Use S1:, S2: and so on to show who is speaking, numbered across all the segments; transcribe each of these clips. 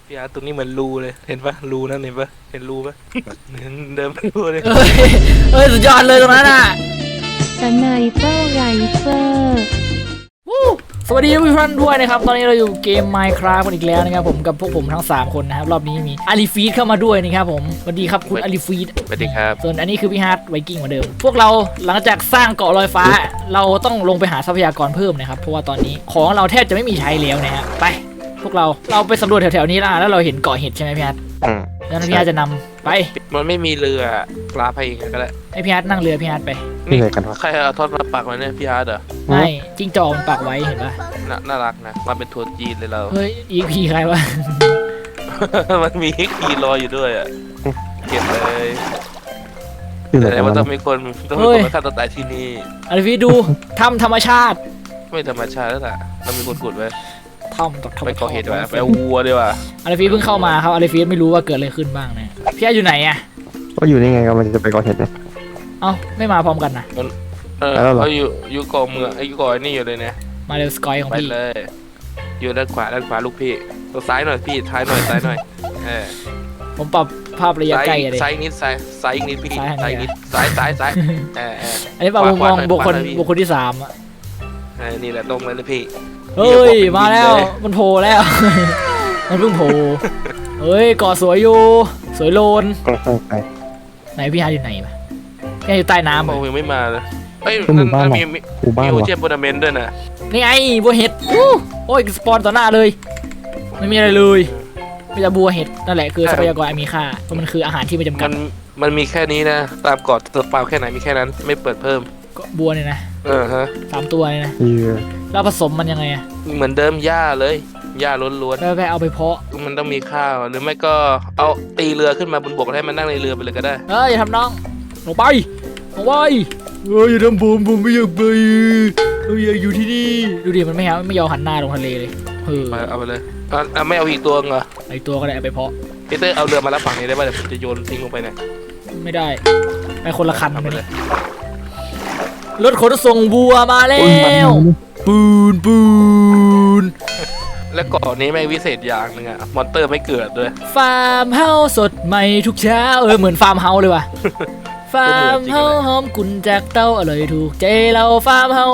S1: พี่อาร์ตตรงนี้เหมือนรูเลยเห็นปะรูนั่นเห็นปะเห็นรูปะเดินไปรูเลย
S2: เอ้ยสุดยอดเลยตรงนั้นอ่ะ
S3: สไนเปอร์ไรเฟอร์
S2: วู้สวัสดีทุกท่านด้วยนะครับตอนนี้เราอยู่เกม Minecraft กันอีกแล้วนะครับผมกับพวกผมทั้ง3คนนะครับรอบนี้มีอาลีฟีดเข้ามาด้วยนะครับผมสวัสดีครับคุณอาลีฟีด
S1: สวัสดีครับ
S2: ส่วนอันนี้คือพี่ฮาร์ดไวกิ้งเหมือนเดิมพวกเราหลังจากสร้างเกาะลอยฟ้าเราต้องลงไปหาทรัพยากรเพิ่มนะครับเพราะว่าตอนนี้ของเราแทบจะไม่มีใช้แล้วนะฮะไปพวกเราไปสำรวจแถวๆนี้แล้วเราเห็นเกาะเห็ดใช่ไหมพี่ฮาร์ดแล้วพี่ฮาร์ดจะนำไป
S1: มันไม่มีเรือปลาไปเองก็ได้
S2: ให้พี่ฮาร์ดนั่งเรือพี่ฮาร์ดไป
S1: นี่ใครเอาทอดมาปักไว้เนี่ยพี่อาร์ตเหรอ
S2: ไม่จิ้งจอกมันปักไว้เห็นปะ
S1: น่ารักนะมาเป็นทัวร์จีนเลยเรา
S2: เฮ้ยอีพีใครวะ
S1: มันมีคีรออยู่ด้วยอ่ะเก็บเลย
S4: ที่ไหน
S1: แต่
S4: กัน
S1: ว่าต้
S4: วะ
S1: องมีคนมาฆ่าตัวตายที่นี่
S2: อาลีฟีดดูถ้ำธรรมชาติ
S1: ไม่ธรรมชาติแล้วล่ะเรามีคนขุดไว้
S2: ถ้ำจากธรรม
S1: ไป
S2: ชาติ
S1: ก่อเหตุไว้ไปเอาวัวดีกว่า
S2: อาลีฟีดเพิ่งเข้ามาครับอาลีฟีดไม่รู้ว่าเกิดอะไรขึ้นบ้างนะพี่ฮาร์ดอยู่ไหนอะ
S4: ก็อยู่นี่ไงก็มันจะไปก่อเหตุเนี่ย
S2: เอ้าไม่มาพร้อมกันนะ
S4: แล้วเหรอ
S1: เขาอยู่เกาะเมืองไอ้เกาะนี่อยู่เลยเนี่ย
S2: มาเร็วสกอยของ
S1: ไป
S2: พี่
S1: เลย อยู่ด้านขวาลูกพี่ตัวซ้ายหน่อยพี่ซ้ายหน่อย
S2: ผมปรับภาพระยะใกล้อะดิ
S1: ซ้ายนิดซ้ายอีกนิดพี่
S2: ซ้ายทางไหน
S1: ซ้ายนิดซ้าย
S2: อันนี้ปรับมุมมอง
S1: ขวา
S2: บุคคล
S1: ขวาหน่อยพี่
S2: บุคคลที่3อะ
S1: นี่แหละตรงเลยพี่
S2: เฮ้ยมาแล้วมันโผล่แล้ว มันเพิ่งโผล่เฮ้ยเกาะสวยอยู่สวยโลน
S4: ก็ค่อยไป
S2: ไหนพี่ฮาร์ดอยู่ไหนปะพี่ฮาร์ดอยู่ใต้น้ำ
S1: ม
S2: อะ
S1: องยังไม่มาเลยเฮ้ย
S4: เป็นหมู่บ้านเหรอ
S1: มี
S4: หมู่บ้าน
S1: โอ
S4: วะ
S1: เชียนโบนาเมนต์ด้วยนะ
S2: นี่ไงบัวเห็ดโอ้ยสปอนต่อหน้าเลยไม่มีอะไรเลยมีแต่บัวเห็ดนั่นแหละคือทรัพยากรอันมีค่าเพราะมันคืออาหารที่ไม่จำกัด
S1: มันมีแค่นี้นะตามเกาะตัวเปล่าแค่ไหนมีแค่นั้นไม่เปิดเพิ่ม
S2: ก็บัวเนี่ยนะ
S1: ฮะ
S2: 3 ตัวเนี่ยนะ
S4: เรือ
S2: แล้วผสมมันยังไงอะ
S1: เหมือนเดิมหญ้าเลยหญ้าล้วน
S2: แล้วไปเอาไปเพาะ
S1: ๆมันต้องมีข้าวหรือไม่ก็เอาตีเรือขึ้นมาบนบกให้มันนั่งในเรือไปเลยก็ได้
S2: อย่าทำน้องลงไปอย่าทำผมไม่อยากไปผมอยากอยู่ที่นี่ดูดิมันไม่ยอมหันหน้าลงทะเลเลย
S1: เอาไปเลยไม่เอาอีกตัวเหรอ
S2: ไอตัวก็ได้เอาไปเพาะ
S1: พีเตอร์เอาเรือมารับฝั่งนี้ได้ป่ะเดี๋ยวผมจะโยนทิ้งลงไปเนี่ย
S2: ไม่ได้ไปคนละคัน
S1: เอาไป
S2: ไป
S1: เล
S2: เลย ยรถขนส่งบัวมาแล้
S4: โอ้ยมัน
S2: วปูน
S1: และเกาะนี้แม่งวิเศษอย่างหนึงอะมอนเตอร์ไม่เกิดด้วย
S2: ฟาร์มเฮาสดใหม่ทุกเช้าเหมือนฟาร์มเฮาเลยว่ะฟาร์มเฮาหอมกุนจากเต้าอร่อยถูกใจเราฟาร์มเฮา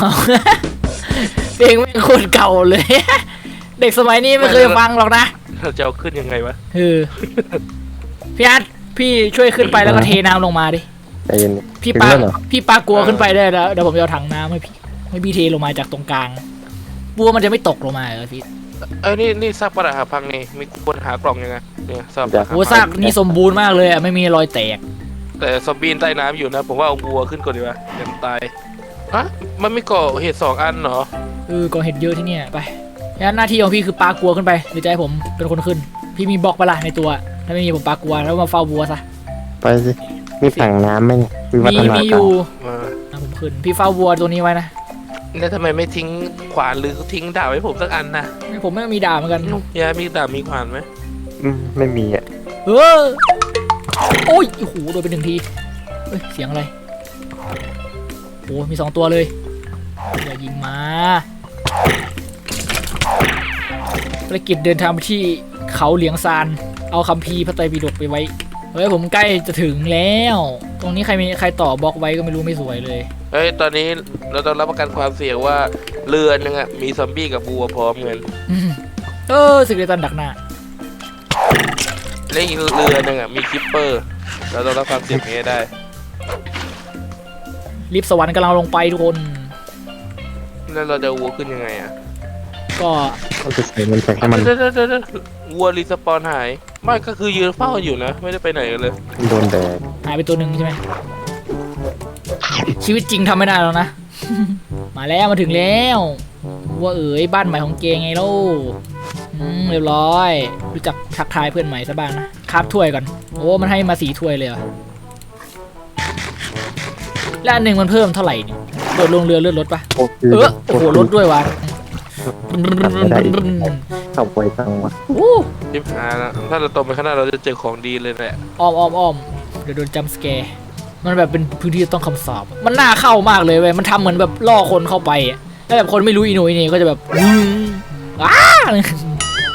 S2: เพลงแม่งโคตรเก่าเลย เด็กสมัยนี้ไม่เคยฟังหรอกนะ
S1: เราจะเอาขึ้นยังไงวะ
S2: พี่อาร์ตพี่ช่วยขึ้นไปแล้วก็เทน้ำลงมาดิ
S4: ใจเย็น
S2: พี่
S4: ถึง
S2: ปา
S4: แล้วเหรอ
S2: พี่ปากลัวขึ้นไปได้แล้วเดี๋ยวผมจะเอาถังน้ำให้พี่เทลงมาจากตรงกลางบัวมันจะไม่ตกลงมาเหรอพี่
S1: นี่ซากปรักหักพังนี่มีคนหากล่องยังไงเนี่ยซากปรักหัก
S2: บัวซากนี่สมบูรณ์มากเลยอะไม่มีรอยแตก
S1: แต่ซอมบี้ใต้น้ำอยู่นะผมว่าเอาบัวขึ้นก่อนดีกว่าเดี๋ยวมันตายอะมันไม่ก่อเหตุ2 อันเหรอ
S2: ก่อเห็ดเยอะที่เนี่ยไปงั้นหน้าที่ของพี่คือปลากลัวขึ้นไปหรือจะให้ผมเป็นคนขึ้น พี่มีบล็อกปะล่ะในตัว ถ้าไม่มีผมปลากลัวแล้วมาเฝ้าบัวซะ
S4: ไปสิมีถังน้ำไหมเนี่ยวิวัฒนา
S2: มี
S4: การ
S2: อยู่
S1: มา
S2: ผมขึ้นพี่เฝ้าบัวตัวนี้ไว้นะ
S1: แล้วทำไมไม่ทิ้งขวานหรือทิ้งดาบให้ผมสักอันนะ
S2: ผมไม่มีดาบเหมือนกัน
S1: ยายมีดาบมีขวานไหม
S4: ไม่มีอ่ะ
S2: โอ้ยโอ้โหโดนไป1 ทีเฮ้ยเสียงอะไรโอ้มี2 ตัวเลยอย่ายิงมาภารกิจเดินทางไปที่เขาเหลียงซานเอาคัมภีร์พระไตรปิฎกไปไว้เฮ้ยผมใกล้จะถึงแล้ว ตรงนี้ใครต่อบล็อกไว้ก็ไม่รู้ไม่สวยเลย
S1: เฮ้ยตอนนี้เราต้องรับประกันความเสี่ยงว่าเรือนึงอะมีซอมบี้กับบัวพร้อมกัน
S2: สึกเดตันดักหน้า
S1: และอีกเรือนึงอะมีคิปเปอร์เราต้องรับความเสี่ยงนี้ให้ได้
S2: ลิฟต์สวรรค์กำลังลงไปทุกคน
S1: แล้วเราจะเอาวัวขึ้นยังไงอะ
S2: ก็
S4: ก็จะใส่มันแข็งให้มัน
S1: เดี๋ยววัวรีสปอนหายไม่ก็คือยืนเฝ้าอยู่นะไม่ได้ไปไหนเลย
S4: โดนแดด
S2: หายไปตัวหนึ่งใช่ไหมชีวิตจริงทำไม่ได้แล้วนะ มาแล้วมาถึงแล้วว่าบ้านใหม่ของเกงไงลูกเรียบร้อยรู้จักทักทายเพื่อนใหม่ซะบ้างนะคาบถ้วยก่อนโอ้มันให้มา4 ถ้วยเลยเหรอแล้วอันหนึ่งมันเพิ่มเท่าไหร่เนี่ยโดดลงเรือเลื่อนรถปะ
S4: โอ้โห
S2: รถด้วยวะ
S4: ขับไวจังวะ
S1: ทิพหานะถ้าเราตรงไปข้างหน้าเราจะเจอของดีเลยแหละ
S2: อ้อมเดี๋ยวโดนจัมป์สแกร์มันแบบเป็นพื้นที่ต้องคำสาปมันน่าเข้ามากเลยเว้ยมันทำเหมือนแบบล่อคนเข้าไปอะแล้วแบบคนไม่รู้อีโหน่อีเหน่ก็จะแบบว้า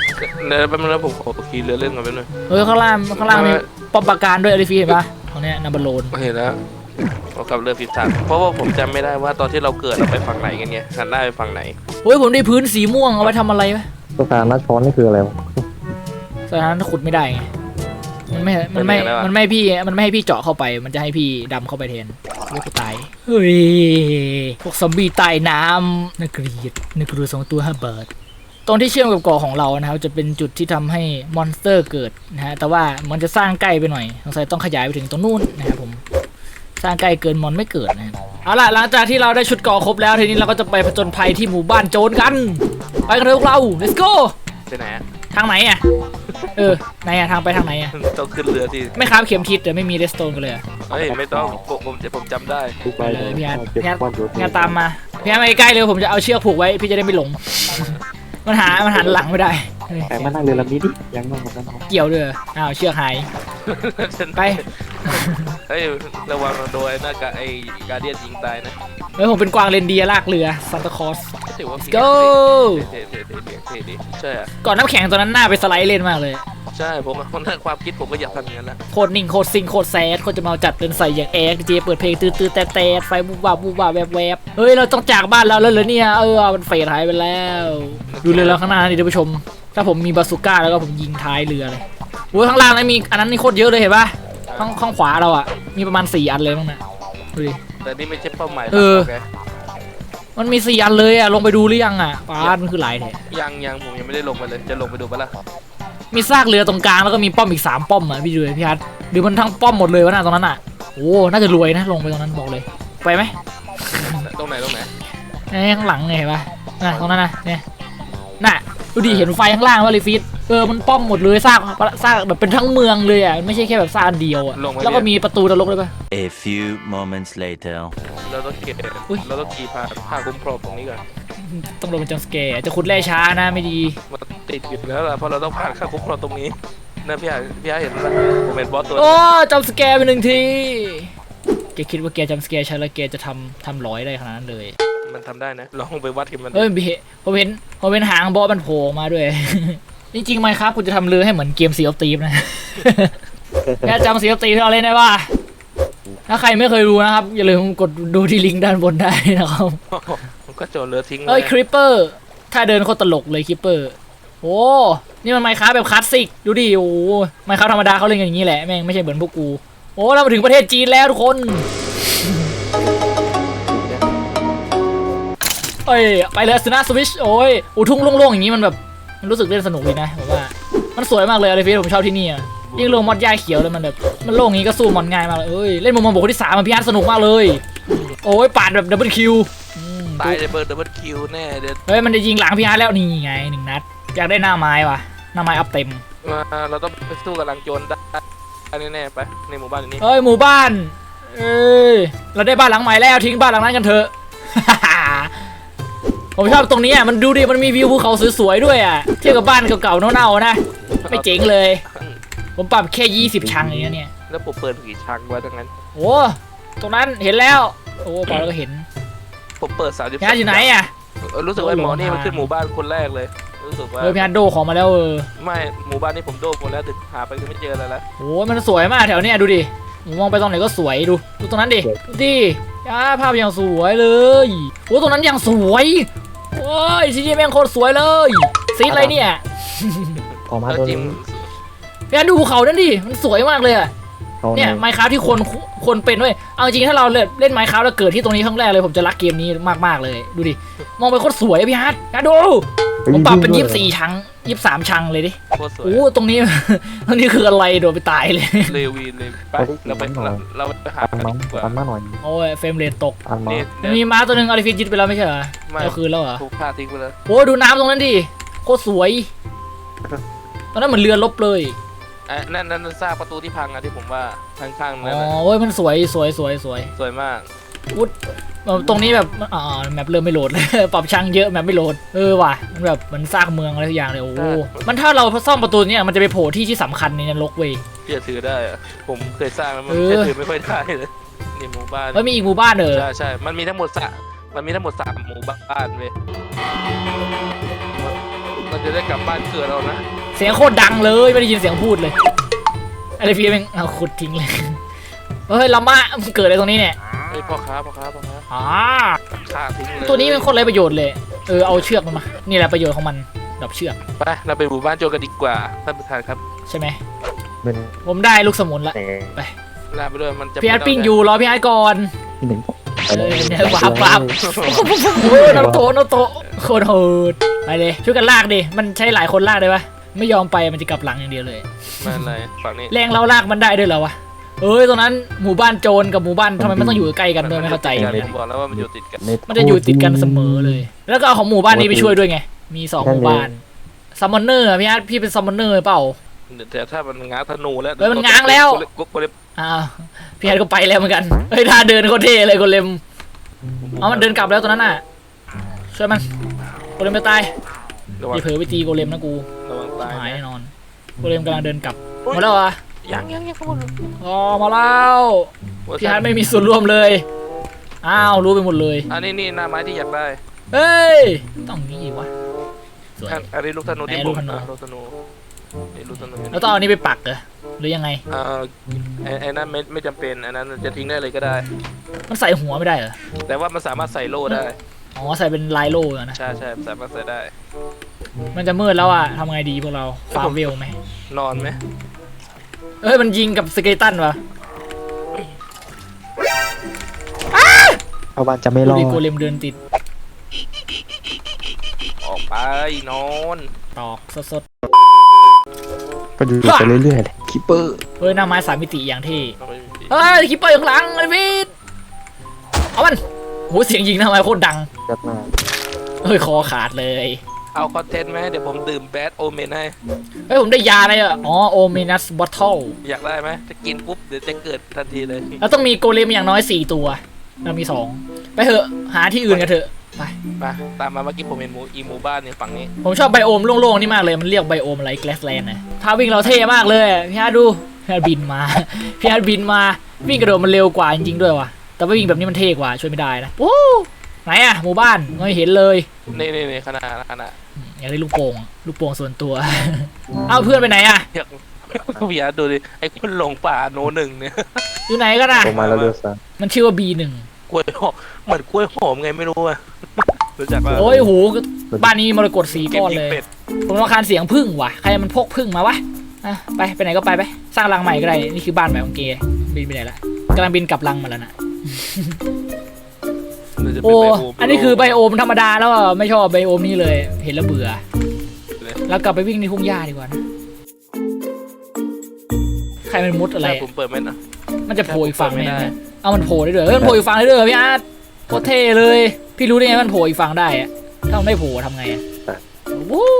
S1: เดี๋ยวแป๊บนึงนะผมขอขี่เรือเล่นก่อนแป๊บนึง
S2: ข้างล่างมีป้อมปราการด้วยอลิฟีเห็นปะตรงเนี้ยนัมเบอร์โลน
S1: เห็นแล้วเรากลับเรือผิดทางเพราะว่าผมจำไม่ได้ว่าตอนที่เราเกิดเราไปฝั่งไหนกันเนี่ยหันหน้าไปฝั่งไหน
S2: เฮ้ยผมได้พื้นสีม่วงเอาไว้ทำอะไรวะ
S4: สถานะช้อนนี่คืออะไรวะ
S2: สถานะขุดไม่ได้ไงมันไม่ให้พี่เจาะเข้าไป มันจะให้พี่ดำเข้าไปแทนไม่กูตายเฮ้ยพวกซอมบี้ใต้น้ำน่าเกลียด2 ตัว5 บาทตรงที่เชื่อมกับเกาะของเรานะครับจะเป็นจุดที่ทำให้มอนสเตอร์เกิดนะฮะแต่ว่ามันจะสร้างใกล้ไปหน่อยสงสัยต้องขยายไปถึงตรงนู้นนะครับผมสร้างใกล้เกินมอนไม่เกิดนะเอาล่ะหลังจากที่เราได้ชุดเกาะครบแล้วทีนี้เราก็จะไปผจญภัยที่หมู่บ้านโจรกันไปกันเลยพวกเรา let's go
S1: ไปไหนอะ
S2: ทางไหนอ่ะไหนอ่ะทางไปทางไหนอ่ะ
S1: ต้องขึ้นเรือที่
S2: ไม่ค้าบเข็มทิศแต่ไม่มีเรสโตนกันเลยอะ
S1: เฮ้ยไม่ต้องผมจำได้
S2: ไปเลยพี่อาร์ตพี่อาร์ตตามมาพี่อาร์ตมาใกล้ๆเลยผมจะเอาเชือกผูกไว้พี่จะได้ไม่หลง มันหันหลังไม่ได้
S4: แต่มานั่งเรือลำนี้ดิยังนั่งกัน
S2: เกี่ยวด้วยอ้าวเชือกหายไป
S1: เฮ้ยระวังโดนหน้ากากไอ้การเดียนยิงตายนะ
S2: เฮ้ยผมเป็นกวางเรนเดียร์ลากเรือซันตาคลอส
S1: ถือว่า
S2: go
S1: เท่ดิใช่อะ
S2: ก่อนน้ำแข็งตัวนั้นหน้าไปสไลด์เล่นมากเลย
S1: ใช่ผมคนนั้นความคิดผมก็อยากทำอย่างนั้นแหละ
S2: โคตรนิ่งโคตรซิงโคตรแซดโคตรจะมาจัดเดินใส่อย่างแอร์เจเปิดเพลงตื้อๆแต่ไฟบูบาแวบเฮ้ยเราต้องจากบ้านเราแล้วเหรอเนี่ยมันเฟดหายไปแล้วดูเรือเราข้างหน้านี่ท่านผู้ชมถ้าผมมีบาซูก้าแล้วก็ผมยิงท้ายเรือเลยโอ้ยข้างล่างนั้นมีอันนั้นนี่โคตรเยอะเลยเห็นปะข้างขวาเราอ่ะมีประมาณ4 อันเลยมั้งนะดูดิ
S1: แต่นี่ไม่ใช่เป้าหมาย
S2: มันมี4 อันเลยอ่ะลงไปดูหรือยังอ่ะป้ามันคือหลายแท้
S1: ยังผมยังไม่ได้ลงไปเลยจะลงไปดูปะล่ะ
S2: มีซากเรือตรงกลางแล้วก็มีป้อมอีก3 ป้อมอ่ะพี่ดูเลยพี่ฮัทหรือมันทั้งป้อมหมดเลยวะน่ะตรงนั้นอ่ะโอ้น่าจะรวยนะลงไปตรงนั้นบอกเลยไปไหม
S1: ตรงไหน
S2: ข้างหลังไงเห็นปะน่ะตรงนั้นนะเนี่ยน่ะดูดิเห็นไฟข้างล่างว่าเลยฟิตมันป้อมหมดเลยซากแบบเป็นทั้งเมืองเลยอ่ะไม่ใช่แค่แบบซากอันเดียวอ่ะแล้วก็มีประตูนรกด้วยปะ
S5: A few moments later
S1: เราต้องเก็บเราต้องขี่ผ่าคุ้มครองตรงนี้ก่อน
S2: ต้องลงเป็นจังสแกร์จะขุดแร่ช้านะไม่ดี
S1: มันติดอยู่แล้วล่ะเพราะเราต้องผ่านค่าคุ้มครองตรงนี้นะพี่อาเห็นไหมผมเป็นบอสตัว
S2: โอ้จังสแกร์ไป1 ทีแกคิดว่าแกจังสแกร์ฉันแล้วแกจะทำร้อยได้ขนาดนั้นเลย
S1: มันทำได้นะลองไปวัดกันมัน
S2: ผมเห็นหางบอสมันโผล่มาด้วย จริงๆไหมครับคุณจะทำเรือให้เหมือนเกมSea of Thievesนะ แกจำSea of Thievesที่เราเล่นได้ป่ะถ้าใครไม่เคยดูนะครับอย่าลืมกดดูที่ลิงก์ด้านบนได้นะครับ
S1: มันก็โจรเรือทิ้ง
S2: คริปเปอร์ถ้าเดินโคตรตลกเลยคริปเปอร์โอ้นี่มันไมค์คราฟแบบคลาสสิกดูดิโอ้ไมค์คราฟธรรมดาเขาเล่นกันอย่างนี้แหละแม่งไม่ใช่เหมือนพวกกูโอ้เรามาถึงประเทศจีนแล้วทุกคนไปเลยสนาสวิชโอ้ยทุ่งโล่งๆอย่างนี้มันแบบมันรู้สึกเล่นสนุกดีนะผมว่ามันสวยมากเลยอะไรพี่ผมชอบที่นี่อ่ะยิ่งลงมอดหญ้าเขียวเลยมันแบบมันโล่งนี้ก็สู้มอนง่ายมากเลยเล่นมุมมองบุคคลที่3มันพี่อาร์ตสนุกมากเลยโอ้ยปาดแบบดับเบิลคิว
S1: ตายเลยเบิร์ดดับเบิลคิวแน่เด็ด
S2: มันจะยิงหลังพี่อาร์ตแล้วนี่ไง1 นัดอยากได้หน้าไม้ว่ะหน้าไม้อัพเต็ม
S1: มาเราต้องไปสู้กับลังโจรได้แน่ๆไปในหมู่บ้านนี้
S2: หมู่บ้านเราได้บ้านหลังใหม่แล้วทิ้งบ้านหลังนั้นกันเถอะ ผมชอบตรงนี้อ่ะมันดูดิมันมีวิวภูเขาสวยๆด้วยอ่ะเทียบกับบ้านเก่าๆเน่าๆนะไม่เจ๋งเลยผมปรับแค่20 ชังอย่างเงี้ยเนี่ย
S1: แล้วผมเปิดกี่ชังไว้ทั้งนั้น
S2: โอ้ตรงนั้นเห็นแล้วโอ้พอแล้วก็เห็น
S1: ผมเปิด30
S2: พี่อาร์ตอยู่ไหนอ่ะ
S1: รู้สึกว่าหมอนี่มันขึ้นหมู่บ้านคนแรกเลยรู้สึกว่า
S2: พี่อาร์ตโดของมาแล้ว
S1: ไม่หมู่บ้านนี้ผมโดนหมดแล้วถึงหาไปก็ไม่เจออะไรแล้ว
S2: โอ้มันสวยมากแถวเนี้ยดูดิมองไปตรงไหนก็สวยดูตรงนั้นดิภาพอย่างสวยเลยโอ้ตรงนั้นอย่างสวยโอ้ยซีจีแม่งโคตรสวยเลยซีอะไรเนี่ย
S4: ขอมาตัวนี้
S2: พี่อาร์ตดูภูเขานั่นดิมันสวยมากเลยอ่ะเนี่ยไมค์คราฟที่คนเป็นด้วยเอาจริงถ้าเราเล่นไมค์คราฟแล้วเกิดที่ตรงนี้ครั้งแรกเลยผมจะรักเกมนี้มากๆเลยดูดิมองไปโคตรสวยพี่อาร์ตดูผมปรับเป็น24 ชัง23 ชังเลยดิ
S1: โคตรสวย
S2: โอ้ตรงนี้ ตรงนี้คืออะไรโดนไปตายเลย
S1: เลวีเลยไปเราไปหา
S4: อันมา
S1: ดีกว่า
S4: อันมาหน่อย
S2: โอ้ยเฟรมเรทตก
S4: อันมา
S2: มีม้าตัวหนึ่งอาริฟิตยึดไปแล้วไม่ใช่เหรอ
S1: ไม่
S2: เอาคืนแล้วเหรอ
S1: ถูกฆ่าทิ้งไปแล้ว
S2: โอ้ดูน้ำตรงนั้นดิโคตรสวยตอนนั้นเหมือนเรือลบเลย
S1: นั่นซากประตูที่พังอะที่ผมว่าข้างๆ
S2: อ๋
S1: นั่น
S2: อโอ้ยมันสวย
S1: สวยมาก
S2: อุ๊ดตรงนี้แบบแมปเริ่มไม่โหลดเลย ปรับช่างเยอะแมปไม่โหลดว่ะมันแบบมันสร้างเมืองอะไรทุกอย่างเลยโอ้มันถ้าเราซ่อมประตูเนี่ยมันจะไปโผล่ที่สำคัญในนรกเว้ย
S1: เชื่อถือได้อะผมเคยสร้างแล้วมันเชื่อถือไม่ค่อยได้เลยนี่หมู่บ้าน
S2: มีอีกหมู่บ้าน
S1: ใช่มันมีทั้งหมด3 หมู่บ้านเว้ยเราจะได้กลับบ้านเกิดเรานะ
S2: เสียงโคตรดังเลยไม่ได้ยินเสียงพูดเลยอะไรพี่แม่งเอาขุดทิ้งเลยเฮ้ยลาม่ามันเกิดอะไรตรงนี้เนี่ย
S1: ไอ้พ่อค้า
S2: อ๋อ
S1: ฆ่าทิ้งเลย
S2: ตัวนี้เป็นโคตรไร้ประโยชน์เลยเอาเชือกมันมานี่แหละประโยชน์ของมันดับเชือก
S1: ไปเราไปหมู่บ้านโจรกันดีกว่าท่านประธานครับ
S2: ใช่ไหม
S4: เป็น
S2: ผมได้ลูกสมุนละ
S4: แต่
S1: ลาไปด้วยมันจะ
S2: พี่อาร์ตปิ้งอยู่รอพี่อาร์ตก่อน
S4: ที่หนึ่ง
S2: เนี่ยวาบโอ้ยน้ำโตโคตรโหดไปเลยช่วยกันลากดิมันใช้หลายคนลากได้ปะไม่ยอมไปมันจะกลับหลังอย่างเดียวเลย
S1: ไม่อะไรฝั่งนี้
S2: แรงเราลากมันได้ด้วยเหรอวะตรงนั้นหมู่บ้านโจรกับหมู่บ้านทำไมมันต้องอยู่ใกล้กันด้วยไม่เข้าใจ
S1: ผมบอกแล้วว่ามันอยู่ติดกัน
S2: มันจะอยู่ติดกันเสมอเลย แล้วก็เอาของหมู่บ้านนี้ไปช่วยด้วยไงมี2หมู่บ้านซัมมอนเนอร์พี่อาร์ตพี่เป็นซัมมอนเนอร์เปล่า
S1: แต่ถ้ามันง้างธนูแล้ว
S2: เฮ้ยมันง้างแล้ว
S1: ก็เลย
S2: อ้าวพี่อาร์ตก็ไปแล้วเหมือนกันท่าเดินโคตรเท่เลยโกเลมเอามันเดินกลับแล้วตอนนั้นน่ะช่วยมันโกเลมจะตาย
S1: ระวัง
S2: อย่าเผลอไปตีโกเลมนะกู
S1: ระวังตาย
S2: หาย
S1: นะ
S2: แน่นอนโกเลมกำลังเดินกลับมาแล้วอ่ะ
S1: ยังข้างบน
S2: อ๋อมาแล้วพี่อาร์ตไม่มีส่วนร่วมเลยอ้าวรู้ไปหมดเลย
S1: อันนี้หน้าไม้ที่อยากได้
S2: เฮ้ยต้องงี้วะสวย
S1: อันนี้ลูกธนูที่
S2: ไหน
S1: ผ
S2: ลู
S1: ม
S2: กธนู
S1: ลูกธนูนี่ลูกธนู
S2: แล้วต้องเอาอันนี้ไปปักเหรอหรือยังไง
S1: ไอ้นั้นไม่จำเป็นอันนั้นจะทิ้งได้เลยก็ได้
S2: มันใส่หัวไม่ได้เหรอ
S1: แต่ว่ามันสามารถใส่โล่ได้
S2: อ๋อใส่เป็นลายโล่อะนะ
S1: ใช่สามารถใส่ได้
S2: มันจะมืดแล้วอ่ะทำไงดีพวกเราฟาร์มเวลไหม
S1: นอนไหม
S2: มันยิงกับสเกเลตันวะ
S4: ชาวบ้านจะไม่ร
S2: ดู
S4: อ
S2: ดิ
S4: ด
S2: โกเลมเดินติด
S1: ออกไปนอน
S2: ตอกสด
S4: ก็อยู่ไปเรื่อยๆเลยคิปเปอร์
S2: หน้าไม้3 มิติอย่างที่คิปเปอร์อยู่ข้างหลังไอ้พีทเอามันโหเสียงยิงหน้าไม้โคตรดัง
S4: จัดมา
S2: คอขาดเลย
S1: เอาคอนเทนต์ไหมเดี๋ยวผมดื่มแบดโอเมนให้
S2: ผมได้ยาอะไรอ่ะโอเมนัสบอทเทิล
S1: อยากได้ไหมจะกินปุ๊บเดี๋ยวจะเกิดทันทีเลย
S2: เราต้องมีโกเลมอย่างน้อย4 ตัวเรามี2ไปเถอะหาที่อื่นกันเถอะไป
S1: มาตามมาเมื่อกี้ผมเห็นหมู่บ้านเนี่ยฝั่งนี้
S2: ผมชอบไบโอมโล่งๆนี่มากเลยมันเรียกไบโอมอะไรแกลสแลนด์นะท่าวิ่งเราเท่มากเลยพี่อาร์ตดูพี่อาร์ตบินมา พี่อาร์ตบินมาวิ่งกระโดดมันเร็วกว่าจริงๆด้วยว่ะแต่ว่าวิ่งแบบนี้มันเท่กว่าช่วยไม่ได้นะโอ้ไหนอะหมู่บ้านไม่เห็นเลย
S1: นี่ขนาด
S2: อยากได้ลูกโป่งส่วนตัว เอาเพื่อนไปไหนอะ
S1: อยากพี่อาร์ตดูดิไอ้คนหลงป่าโนหนึ่งเนี่ย
S2: อยู่ไหนกันอะ
S4: ลงมาแล้วเรือซะ
S2: มันชื่อว่า B1
S1: กล้วยหอมเหมือนกล้วยหอมไงไม่รู้อะรู้จักป่ะ
S2: โอ้ยโหบ้านนี้มรกต4 ก้อนเลย
S1: เป็ด
S2: ผมต้องการเสียงพึ่งว่ะใครมันพกพึ่งมาวะไปไหนก็ไปสร้างรังใหม่ก็ได้นี่คือบ้านใหม่ของเกย์บินไปไหนละกำลังบินกลับรังมาแล้วนะ โอ้อันนี้คือไบโอมธรรมดาแล้วอ่ะไม่ชอบไบโอมนี้เลยเห็นแล้วเบื่อแล้วกลับไปวิ่งในทุ่งหญ้าดีกว่านะใครมันมุดอะไร
S1: ผมเปิดไม่นะ
S2: มันจะโผล่อีกฝั่ง
S1: ไม่
S2: เนี่ย
S1: ได้
S2: เอามันโผล่ได้ด้วยมันโผล่อีกฝั่งได้ด้วยพี่อาร์ตโคตรเท่เลยพี่รู้ได้ไงมันโผล่อีกฝั่งได้อะถ้ามันไม่โผล่ทำไงอะวู้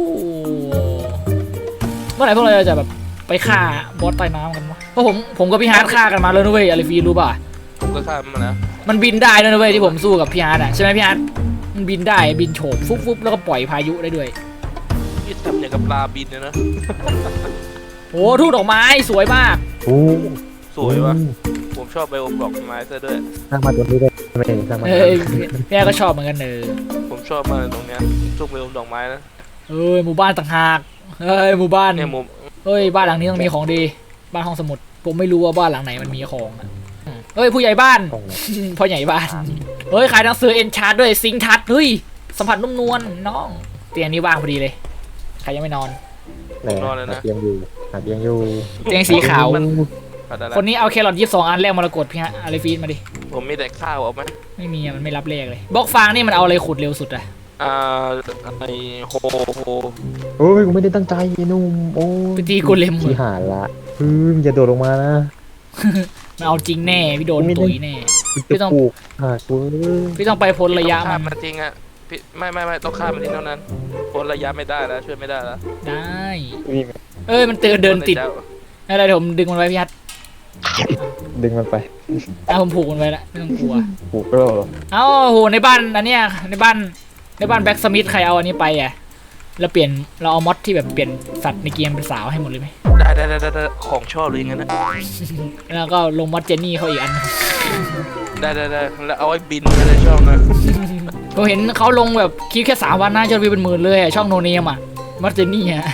S2: เมื่อไหร่พวกเราจะแบบไปฆ่าบอสใต้น้ำกันวะเพราะผมกับพี่ฮาร์ดฆ่ากันมาแล้วนะเว้ยอาริฟีรู้ป่ะ
S1: ผมก็ข้ามมานะ
S2: มันบินได้ด้วยนะเว้ยที่ผมสู้กับพี่ฮาร์ดอ่ะใช่ไหมพี่ฮาร์ดมันบินได้บินโฉบฟุบแล้วก็ปล่อยพายุได้ด้วย
S1: นี่ทำอย่างกับปลาบินเลยนะ
S2: โอ้ทุ่งดอกไม้สวยมาก
S4: โอ้
S1: สวยวะผมชอบไบโอมดอกไม้ซะด้วย
S4: สร้างมาตัวนี้ได้ไหมสร้างมา
S2: พี่ฮาร์ดก็ชอบเหมือนกันเนอะ
S1: ผมชอบมากเลยตรงเนี้ยช่วงไบโอมดอกไม้นะ
S2: หมู่บ้านต่างหากหมู่บ้าน
S1: เนี่ยมุม
S2: บ้านหลังนี้ต้องมีของดีบ้านห้องสมุดผมไม่รู้ว่าบ้านหลังไหนมันมีของอะผู้ใหญ่บ้าน
S4: ตรงไหน
S2: พ่อใหญ่บ้านขายหนังสือเอ็นชาร์ดด้วยซิงทัดสัมผัสนุ่มนวลน้องเตียงนี้ว่างพอดีเลยใครยังไม่นอน
S4: ไหนหาเตียงอยู่หาเตียงอยู่
S2: เตียงสีขาว
S1: อะไร
S2: คนนี้เอาแครอท22 อันแลกมรกตพี่ฮะอาริฟีนมาดิ
S1: ผมมีแต่ข้าวเอาไหม
S2: ไม่มีมันไม่รับเลขเลยบล็อกฟางนี่มันเอาอะไรขุดเร็วสุดอะ
S1: ไอโฮ
S4: โอ้ยกูไม่ได้ตั้งใจไอ้นุ่มโอ้
S2: ไปตีโกเลม
S4: ที่หาละอย่าโดดลงมานะ
S2: มันเอาจริงแน่พี่โดนตุ๋ยแน่
S4: กูจะปลูกหากู
S2: พี่ต้องไปพ้นระยะ
S1: ข้า
S2: มั
S1: ม
S2: น
S1: มันจริงอ่ะพี่ไม่ต้องข้ามมันทิ้งเท่านั้นพ้นระยะไม่ได้แล้วช่วยไม่ได้แล้ว
S2: ได้
S4: วิ่ง
S2: มันเดินติดอะไรเดี๋ยวผมดึงมันไว้พี่ฮัท
S4: ดึงมันไป
S2: ผมผูกมันไว้ละไม่ต้องกลัว
S4: ปลูกก็หรอ
S2: โหในบ้านอันเนี้ยในบ้านแบ็กสมิธใครเอาอันนี้ไปอ่ะเราเอามอดที่แบบเปลี่ยนสัตว์ในเกมเป็นสาวให้หมดเลยไหม
S1: ได้ของชอบเลยอย่างนั้นนะ
S2: แล้วก็ลงมอดเจนนี่เขาอีกอัน
S1: ได้แล้วเอาไว้บินไม่ได้ชอบนะ
S2: ผมเห็นเขาลงแบบคลิปแค่3 วันนะยอดวิวเป็น 10,000เลยอะช่องโนเนมอ่ะมอดเจนนี่อ่ะโค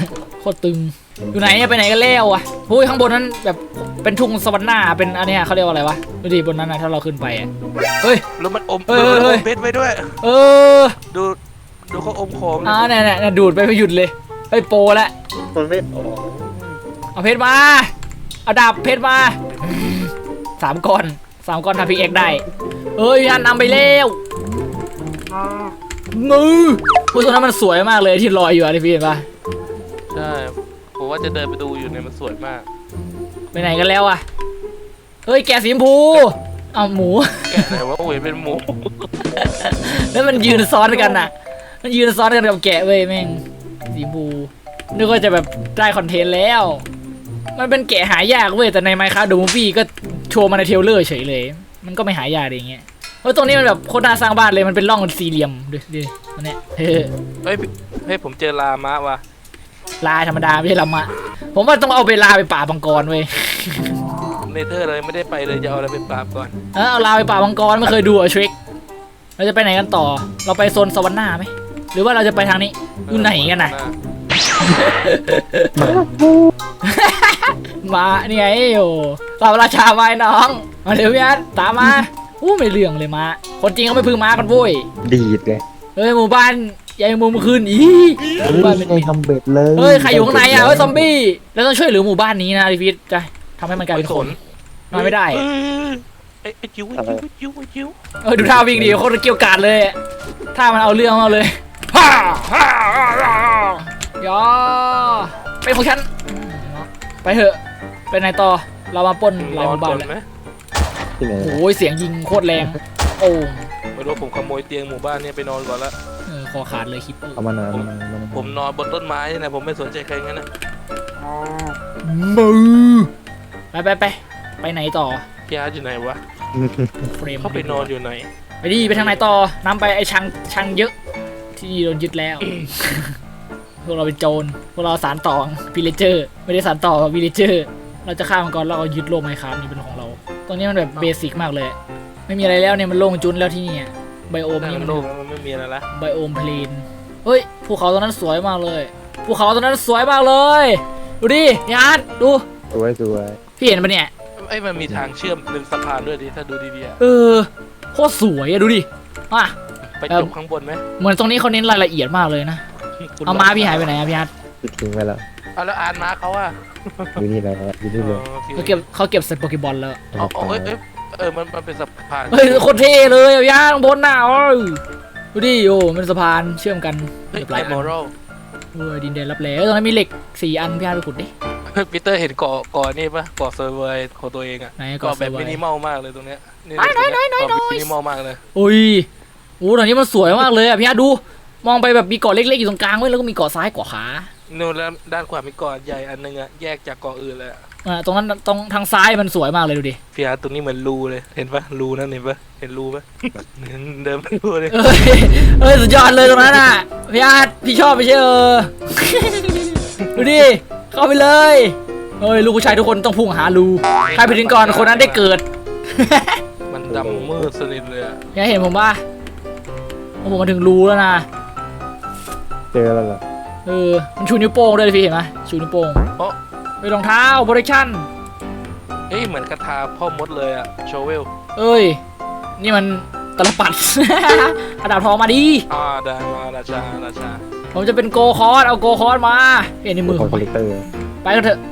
S2: โคตรตึงอยู่ไหนเนี่ยไปไหนกันแล้วอะโอ้ยข้างบนนั้นแบบเป็นทุ่งสวรรค์หน้าเป็นอันเนี้ยเขาเรียกว่าอะไรวะดูดิบนนั้นนะถ้าเราขึ้นไปอะเฮ้ย
S1: แล้วมันอม
S2: เฮ้ย
S1: มัน
S2: เฮ้
S1: อย มเพชรไว้ด้วย
S2: เออ
S1: ดูเขาอมของ
S2: เนี่ยดูดไปไม่หยุดเลยเฮ้ยโปรละ
S4: มันไม่ออก
S2: เอาเพชรมาเอาดาบเพชรมา3 ก้อนทำพิกเอ็กได้เอ้ยอันนำไปแล้วมือผู้ตัวนั้นมันสวยมากเลยที่ลอยอยู่อะที่พี่เห็นปะ
S1: ใช่ผมว่าจะเดินไปดูอยู่เนี่ยมันสวยมาก
S2: ไปไหนกันแล้วอะเฮ้ยแกะสีชมพูเอาหมู
S1: แกะไหนว่าโอ้ยเป็นหมู
S2: แล้วมันยืนซ้อนกันอ่ะ มันยืนซ้อนกันกับแกะเว้ยแม่งสีชมพูนึกว่าจะแบบได้คอนเทนต์แล้ว มันเป็นแกะหายากเว้ยแต่ใน Minecraft The Movie ก็โชว์มาในเทรลเลอร์เฉยเลย มันก็ไม่หายากอย่างเงี้ยเพราะตรงนี้มันแบบโคตรน่าสร้างบ้านเลยมันเป็นร่องสี่เหลี่ยมดูดิอันเนี้ยเ
S1: เฮ้ยผมเจอลามะว่ะ
S2: ลาธรรมดาไม่ใช่ลำมะผมว่าต้องเอาไปลาไปป่าบังกรเว้ย
S1: เนเธอร์เลยไม่ได้ไปเลยจะเอาอะไรไปปราบก่อน
S2: เอาลาไปป่าบังกรไม่เคยดูอ่ะทริกเราจะไปไหนกันต่อเราไปโซนสวรรค์หน้าไหมหรือว่าเราจะไปทางนี้อยู่ไหนกันน่ะ มานี่ไงโอ้เราราชาไม้น้องมาเดี๋ยวพี่อันตามมาอู้ไม่เรื่องเลยมาคนจริงเขาไม่พึ่งมากันโว้ย
S4: ดีดเลย
S2: เฮ้ยหมู่บ้านใหญ่มุมคืนอีหมู่บ้านเป็น
S4: ไม่ทำเบ็ดเลย
S2: เฮ้ยใครอยู่ข้างในอ่ะเฮ้ยซอมบี้แล้วต้องช่วยเหลือหมู่บ้านนี้นะดิฟิตจะทำให้มันกลายเป็นคนนอนไม่ได้
S1: ไอ้จิ๋วจิ๋ว
S2: ดูท่าวิ่งดีโคตรเกี่ยวกาดเลยท่ามันเอาเรื่องเอาเลยฮ่าฮ่าย่อเป็นของฉันไปเถอะไปไหนต่อเรามาปล้นหลายหมู่บ้านแล้ว
S4: ที่ไหน
S2: โอ้ยเสียงยิงโคตรแรงโอ้
S1: ไม่รู้ผมขโมยเตียงหมู่บ้านเนี่ยไปนอนก่อนละ
S2: คอขาดเลยคิปเปอร์
S4: เอามาหน่อย
S1: ผมนอนบนต้นไม้นะผมไม่สนใจใครงั้นนะ
S2: มือไปไหนต่อ
S1: พี่อาร์ตอยู่ไหนวะ
S2: เฟรม
S1: เขาไปนอนอยู่ไหน
S2: ไปดิไปทางไหนต่อนำไปไอ้ชังเยอะที่โดนยึดแล้ว พวกเราเป็นโจรพวกเราสารต่อวิลเลเจอร์ไม่ได้สารต่อวิลเลเจอร์เราจะฆ่ามันก่อนแล้วเอายึดโลกไมค์ครับนี่เป็นของเราตรงนี้มันแบบเบสิกมากเลยไม่มีอะไรแล้วเนี่ยมันโล่งจุนแล้วที่นี่ไบโอม
S1: นั่
S2: นี่
S1: น
S2: มัน
S1: โลกมันไม่มีอะไรละ
S2: ไบโอมเพลนเฮ้ยภูเขาตรงนั้นสวยมากเลยภูเขาตรงนั้นสวยมากเลยดูดิยาร์ดดู
S4: สวย
S2: พี่เห็นปะเนี่ย
S1: ไอ้มันมีทางเชื่อมเป็นสะพานด้วยดิถ้าดูดีๆอะ
S2: โคตรสวยอะดูดิอ่ะ
S1: ไปจบข้างบนไหม
S2: เหมือนตรงนี้เขาเน้นรายละเอียดมากเลยนะเอาม้าพี่หายไปไหนอะพี่อาร์ต
S4: ปิดทิ้งไปแล้ว
S1: เอาแล้วอ่านมาเขาอะ
S4: อยู่นี่แหละอยู่นี่เลย
S2: เขาเก็บใส่โปเกบอลแล้ว
S1: มันเป็นสะพาน
S2: เฮ้ยโคตรเท่เลยอะพี่อาร์ตข้างบนน่ะดูดิโอ้มันสะพานเชื่อมกัน
S1: เฮ้ย
S2: หลา
S1: ไอย ม
S2: อั
S1: อน รัล
S2: ดินแดนรับแลตรงนั้นมีเหล็ก4 อันพี่อาร์ตไปขุดดิ
S1: ปีเตอร์เห็นเกาะนี่ปะเกาะเซอร์เวอร์ของตัวเองอะ
S2: ไหน
S1: เกาะ
S2: เกาะ
S1: แบบ
S2: เซอร์เวอร์
S1: มินิมอลมากเลยตรงเนี้ยเกาะมินิมอลมากเลย
S2: โอ้ยโอ้ตอนนี้มันสวยมากเลยอะพี่อาร์ตดูมองไปแบบมีเกาะเล็กๆอยู่ตรงกลางเว้ยแล้วก็มีเกาะซ้ายเกาะขา
S1: นู่นแล้วด้านขวามีเกาะใหญ่อันนึงอะแยกจากเกาะอื่นเลยอะ
S2: ตรงนั้นตรงทางซ้ายมันสวยมากเลยดูดิ
S1: พี่อาร์ตตรงนี้เหมือนรูเลยเห็นปะรูนั่นเห็นปะเห็นรูปะเดินไปรูเลย
S2: เอ้ยสุดยอดเลยตรงนั้นอ่ะพี่อาร์ตพี่ชอบไม่ใช่ดูดิเข้าไปเลยเฮ้ยลูกผู้ชายทุกคนต้องพุ่งหารูใครไปถึงก่อนคนนั้นได้เกิด
S1: มันดำมืดสนิทเลยอะ
S2: ยังเห็นผมป่ะผมมาถึงรูแล้วนะ
S4: เจอแล้วเหรอ
S2: มันชูนิ้วโป้งด้วยพี่เห็นไหมชูนิ้วโป้ง
S1: เพราะ
S2: ไปรองเท้าโปรดักชั่น
S1: เอ้ยเหมือนกระทาพ่อมดเลยอะโชเวล
S2: เอ้ยนี่มันตลปัด เอาดาบทองมาดิ
S1: ได้มาราชา
S2: ผมจะเป็นโกคอร์สเอาโกคอร์สมาเห็นในมือ
S4: ค
S2: ผ
S4: อ
S2: ม
S4: มพิวเตอร์
S2: ไปกันเถอะ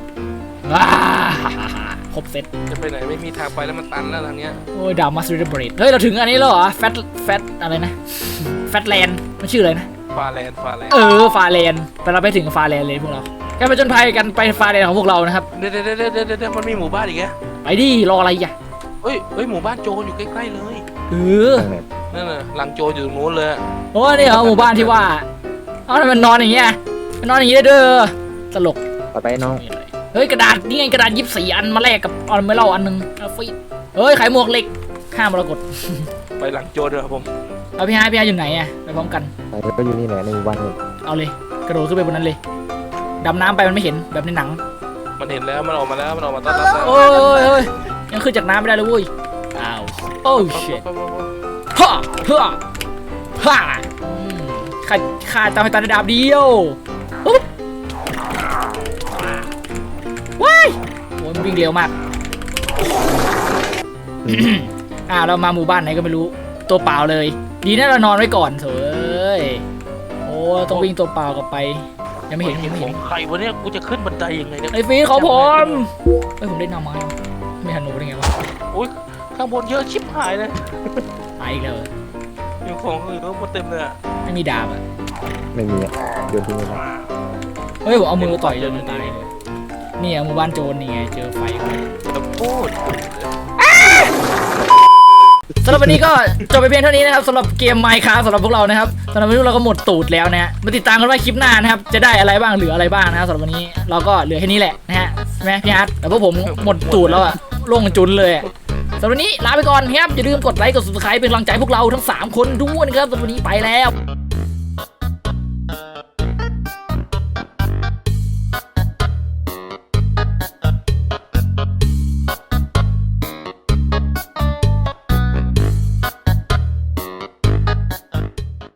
S2: ครบเซ็ต
S1: จะไปไหนไม่มีทางไปแล้วมันตันแล้วทางเนี้ย
S2: โอ้ยดาวมาสเตอร์เบรดเฮ้ยเราถึงอันนี้แล้วเหรอแฟตอะไรนะแฟตแลนด์มันชื่ออะไรนะ
S1: ฟาแลนด์
S2: ฟาแลนด์แต่เราไปถึงฟาแลนด์เลยพวกเราการไปจนภัยกันไปฟาแลนด์ของพวกเรานะครับ
S1: เดี๋ยวมันมีหมู่บ้านอีกแก
S2: ไปดิรออะไรอ่ะ
S1: เฮ้ยหมู่บ้านโจรอยู่ใกล้ๆเลย
S4: ทางไหน
S1: นั่นน่ะหลังโจรอยู่ตรงนู้นเลย
S2: โอ้นี่เหรอหมู่บ้านที่ว่าเอาทำไมมันนอนอย่างเงี้ยมันนอนอย่างงี้ได้เด้อตลก
S4: ไปน้อง
S2: เฮ้ยกระดาษนี่ไงกระดาษ24 อันมาแลกกับออนเมล่าอันนึงฟีเฮ้ยขายหมวกเหล็กห้ามมรกต
S1: ไปหลังโจรเถอะผม
S2: เอาพี่ฮายอยู่ไหนอ่ะไปพร้อมกัน
S4: ไปก็อยู่นี่แหละในหมู่บ้านนี่
S2: เอาเลยกระโดดขึ้นไปบนนั้นเลยดำน้ำไปมันไม่เห็นแบบในหนัง
S1: มันเห็นแล้วมันออกมาแล้วมันออกมาต้อนรับแล้ว
S2: โอ้ยยังขึ้นจากน้ำไม่ได้เลยเว้ยอ้าวโอ้ชิตฮ่าฮ่าข้าจำให้ตาในดาบเดียวปุ๊บมันวิ่งเร็วมาก เรามาหมู่บ้านไหนก็ไม่รู้ตัวเปล่าเลยดีนะเรานอนไว้ก่อนเถอะโอ้ต้องวิ่งตัวเปล่ากลับไปยังไม่เห็น
S1: ของใครวะเนี่ยกูจะขึ้นบันไดยังไงเนี่ย
S2: ไอ้ฟีเขาผมผมได้นำมาไม่ทันหนูได้ไงวะ
S1: โอ้ยข้างบนเยอะชิบหายเลย
S2: ตายอีกแล้ว
S1: อยู่ของอื่นก็หมดเต็มเลยอะ
S2: ไม่มีดาบอ่ะ
S4: ไม่มีอ่ะโยนทิ้งไปแล้ว
S2: เฮ้ยผมเอามือต่อยจนมันตายเลยนี่หมู่บ้านโจรนี่ไงเจอไฟเข้าไป
S1: จะพูด
S2: สำหรับวันนี้ก็จบไปเพียงเท่านี้นะครับสำหรับเกม Minecraft สำหรับพวกเรานะครับสำหรับวันนี้เราก็หมดตูดแล้วนะฮะมาติดตามกันว่าคลิปหน้านะครับจะได้อะไรบ้างเหลืออะไรบ้างนะครับสำหรับวันนี้เราก็เหลือแค่นี้แหละนะฮะใช่ไหมพี่ฮัทแต่พวกผมหมดตูดแล้วอะโล่งจุนเลยอะสำหรับวันนี้ลาไปก่อนครับอย่าลืมกดไลค์กด subscribe เป็นกำลังใจพวกเราทั้ง3คนด้วยนะครับสำหรับวันนี้ไปแล้ว